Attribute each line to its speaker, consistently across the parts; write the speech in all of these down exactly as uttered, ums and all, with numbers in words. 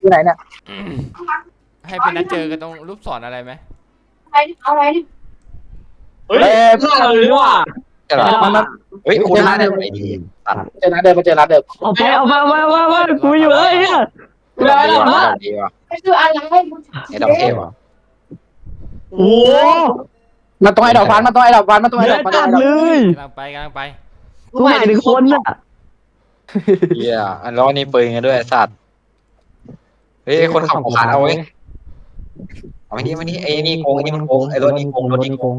Speaker 1: อยู่ไหนเนี่ย
Speaker 2: ให้เป็นนัดเจอกันตรงรูปศรอะไรไหม
Speaker 3: เอาอะไรเฮ้ย
Speaker 1: เอ้ย
Speaker 3: หน้าเลยว่ะ
Speaker 4: ใช่หรอ
Speaker 1: มันมัน
Speaker 4: เฮ้ยคุณน่าได้ไอดีตัด
Speaker 1: เจอร้านเดิมมาเจอร้านเดิม
Speaker 5: เอาไปเอาไปเอาไปเอาไปเอาไปกูอยู่เลยเนี่ย
Speaker 4: ดอกดีว่ะดอกดีว่ะ
Speaker 3: ไม่คืออะไร
Speaker 4: ไอ้ดอกเทพว่ะ
Speaker 5: โอ้
Speaker 1: มันต้องไอ้ดอกฟันมันต้องไอ้ดอกฟันมันต้อง
Speaker 5: เย
Speaker 1: ไอ้ด
Speaker 5: อะ
Speaker 1: อกฟัน
Speaker 5: จัดเลย
Speaker 2: กำลังไปกำลังไป
Speaker 5: กูหมายถึงคนน่ะ
Speaker 4: เฮียอันร้อนนี่ปืนกันด้วยสัตว์เฮ้ยคนขับของขาดเอาไว้เอาไอ้นี่มานี่ไอ้นี่โกงไอ้นี่มันโกงไอ้รถนี่โกงรถนี่โกง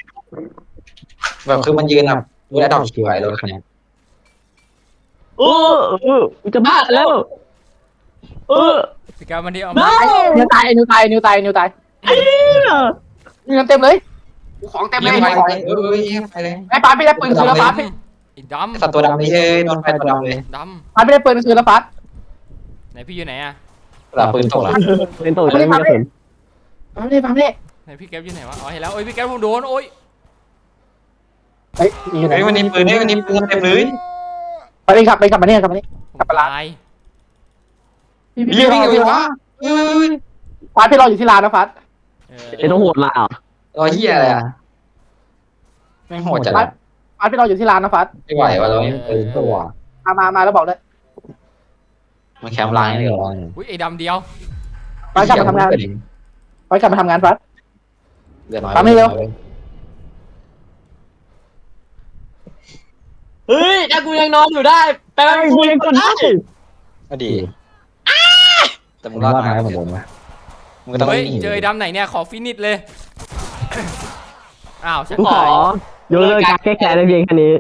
Speaker 4: แบบคือมันยืนแบบดูแลดอกสวยรถคันนี้
Speaker 5: เออเออกูจะบ้าแล้วเออ
Speaker 2: พี่กามันที่เอา
Speaker 5: ไ
Speaker 2: มา
Speaker 1: นิวตายนิวตายนิวตายนิวตายมีเงินเต็มเลยของเต็มเลย
Speaker 4: ไป
Speaker 1: ของ
Speaker 4: ไปเออไปเลย
Speaker 1: ไอ้ปาไม่ได้ปืนคืนแล้วปาพี่
Speaker 2: ไอ้ด
Speaker 4: สัตว์ตัวดำนี่เฮ้ยโดนไฟตัวดำเลย
Speaker 2: ำด
Speaker 1: ปาไม่ได้ปืนคืนแล้วปา
Speaker 2: ำไหนพี่อยู่ไหนอะ
Speaker 4: หลับปืนตกละ
Speaker 5: เป็นตัวไม่มีกระสุน
Speaker 1: ปาไม่ได้ปาไม่ได้
Speaker 2: ไหนพี่แก๊ปอยู่ไหนวะอ๋อเห็นแล้วโอ้ยพี่แก๊ปผมโดนโอ้ย
Speaker 1: เฮ้ยอยู่ไหน
Speaker 4: เฮ้ยวันนี้ปืนเฮ้ยวันนี้ปืนเต็มเลย
Speaker 1: ไปดิครับไปกลับมาเนี่ยกลับมาเนี่ย
Speaker 2: ผมตาย
Speaker 1: พี่
Speaker 4: เรี
Speaker 1: พี่
Speaker 4: ยก
Speaker 1: รอ
Speaker 4: วิ่ง
Speaker 1: พี่
Speaker 4: เล
Speaker 1: ร
Speaker 4: ย
Speaker 1: อ
Speaker 4: วะเฮ้ย
Speaker 1: ปาพี่รออยู่ที่ร้านนะฟัด
Speaker 2: เออ
Speaker 5: ไอ้ต้องโหดละอ่ะ
Speaker 4: รอเฮียอะไรอ่ะไม่โหดจัด
Speaker 1: ปาปาพี่รออยู่ที่ร้านนะฟัด
Speaker 4: ไม่ไหวว่ะเราไม่ปืนตัว
Speaker 1: มามามาแล้วบอกเลย
Speaker 4: มันแคมป์ลายนี่เหรอ
Speaker 2: อุ้ยไอ้ดำเดียว
Speaker 1: ปากลับมาทำงานไปกลับมาทำงานฟัด
Speaker 4: เดือดน้อย
Speaker 1: ปั๊มให้เร็ว
Speaker 3: เฮ้ยถ้ากูยังนอนอยู่ได้แปลว่า
Speaker 5: ไอ้
Speaker 3: กู
Speaker 5: กูยังกดได้
Speaker 4: ก็ดีแต่มึงรอดมาเหมือนผมนะมึงต้อง
Speaker 2: เฮ้ย
Speaker 4: วิ่ง
Speaker 2: เจอไอ้ดำไหนเนี่ยขอฟินิชเลยอ้าวฉัน
Speaker 5: กูขอ
Speaker 2: ตาย
Speaker 5: ยกเลิกการแก้แค้นได้เพียงแค่นี้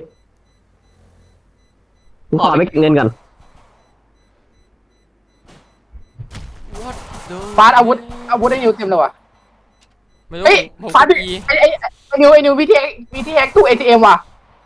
Speaker 5: กูขอไปเก็บเงินก่อน
Speaker 1: ฟาดอาวุธอาวุธได้นิวเต็มเลยว่ะ
Speaker 2: ไม่รู้
Speaker 1: เฮ้ย
Speaker 2: ผม
Speaker 1: ฟาด
Speaker 2: ก
Speaker 1: ดิ
Speaker 2: ด E
Speaker 1: ไอ้ไอ้ไอ้นิวไอ้นิววิธีวิธีแฮกตู้เอทีเอ็มว่ะ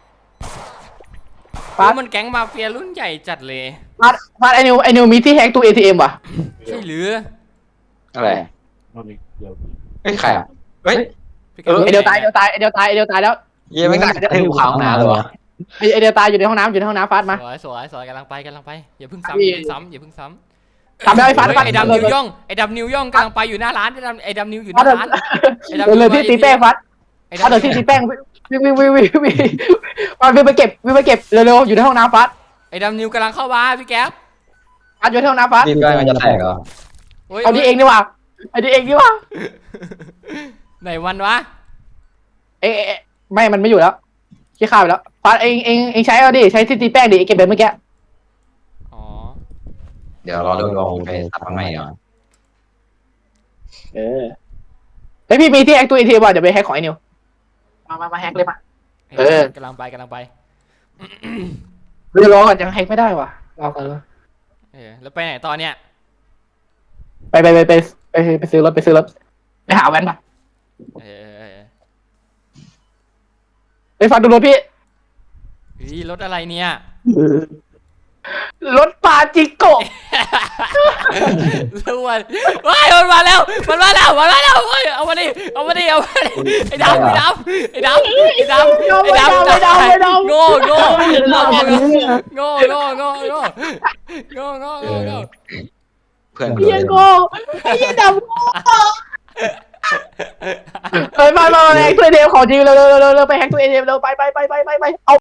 Speaker 2: โอ้ยมันแก๊งมาเฟียรุ่นใหญ่จัดเลย
Speaker 1: ฟาดฟาดไอ้นิวไอ้นิวมีที่แฮกตู้เอทีเอ็มว่ะ
Speaker 2: ใช่หรือ
Speaker 4: อะไรเฮ้ยใครอ่ะเฮ้ย
Speaker 2: พี่แก๊ป
Speaker 4: เออ
Speaker 1: ไอเดียวตายไอเดียวตายไอเดียวตายไอเดียวตายแล้ว
Speaker 4: เยี่ยไม่ได้ให้กูขาวหนาเลยวะ
Speaker 1: ไอไอเดียวตายอยู่ในห้องน้ำอยู่ในห้องน้ำฟาดมา
Speaker 2: สวยสวยสวยกำลังไปกำลังไปอย่าเพิ่ง
Speaker 1: พี่
Speaker 2: ซ้ำอย่าเพิ่งซ้ำอย่าเพิ่งซ้ำ
Speaker 1: ทำได้ไอ้ฟาด
Speaker 2: เฮ้ย
Speaker 1: ฟาด
Speaker 2: ไอ้ดำนิวย่องไอ้ดำนิวย่องกำลังไปอยู่หน้าร้านไอ้ดำไอ้ดำนิวอยู่ห
Speaker 1: ฟาด
Speaker 2: น้าร้าน
Speaker 1: เลยเลยที่ตีแป้งฟาด
Speaker 2: ไอ้
Speaker 1: ฟาดเลย
Speaker 2: ดำ
Speaker 1: ที่ตีแป้งวิ่งวิ่งวิ่งวิ่งวิ่งฟาดวิ่งไปเก็บวิ่งไปเก็บเร็วๆอยู่ในห้องน้ำฟาด
Speaker 2: ไอ้ดำนิวกำลังเข้ามาพี่แก๊ป
Speaker 1: ฟาดอยู่ในห้องน้ำฟาด
Speaker 4: รีบใกล้มันจะแตกเหรอ
Speaker 2: โอ้ย
Speaker 1: เอาที่เองดีกว่าไอ้ที่เองดีกว่า
Speaker 2: ไหนวันวะ
Speaker 1: เอ๊ะไม่มันไม่อยู่แล้วขี้ข้าวไปแล้วฟาดเองเองเองใช้เอาดิใช้ที่ตีแป้งดิเก็บแบบเมื่อกี้
Speaker 2: อ๋อ
Speaker 4: เดี๋ยวรอดูลองไปสับมันไม่เหรอ
Speaker 1: เออไอพี่มีที่แฮกตู้เอทีเอ็มว่ะเดี๋ยวไปแฮกของไอ้นิวมามามาแฮกเลยมา เออ
Speaker 2: กำลังไปกำลังไป
Speaker 1: เดี๋ยวรอก่อนยังแฮกไม่ได้ว่ะรอก่อน
Speaker 2: เออแล้วไปไหนตอนเนี้ย
Speaker 1: ไปไปไปไปไปไปซื้อรถไปซื้อรถไปหาแว่นป่ะ
Speaker 2: เออเออเออ
Speaker 1: ไปฟังดูรถพี่
Speaker 2: เฮ้ยรถอะไรเนี่ย
Speaker 1: รถปาจิโกะ
Speaker 2: รวนว้ายมันมาแล้วมันมาแล้วมันมาแล้วเฮ้ยเอามาดิเอามาดิเอามาดิไอ้ดำไอ้ดำไอ้ดำไอ้ดำไอ้ดำ
Speaker 1: ไม่เดาไม่เดา
Speaker 2: โง่โง่
Speaker 5: ไม่เห็นหรอก
Speaker 2: โง่โง่โง่โง่โง่โง่โง่โง่
Speaker 4: เพื่อน
Speaker 1: ไอ้เหี้ยโกไอ้เหี้ยดำโง่เฮ้ยมามามาแฮกตัวเอทีเอ็มของจริงเร็วเร็วเร็วเร็วไปแฮกตัวเอทีเอ็มเร็วไปไปไปไปไปไปเอา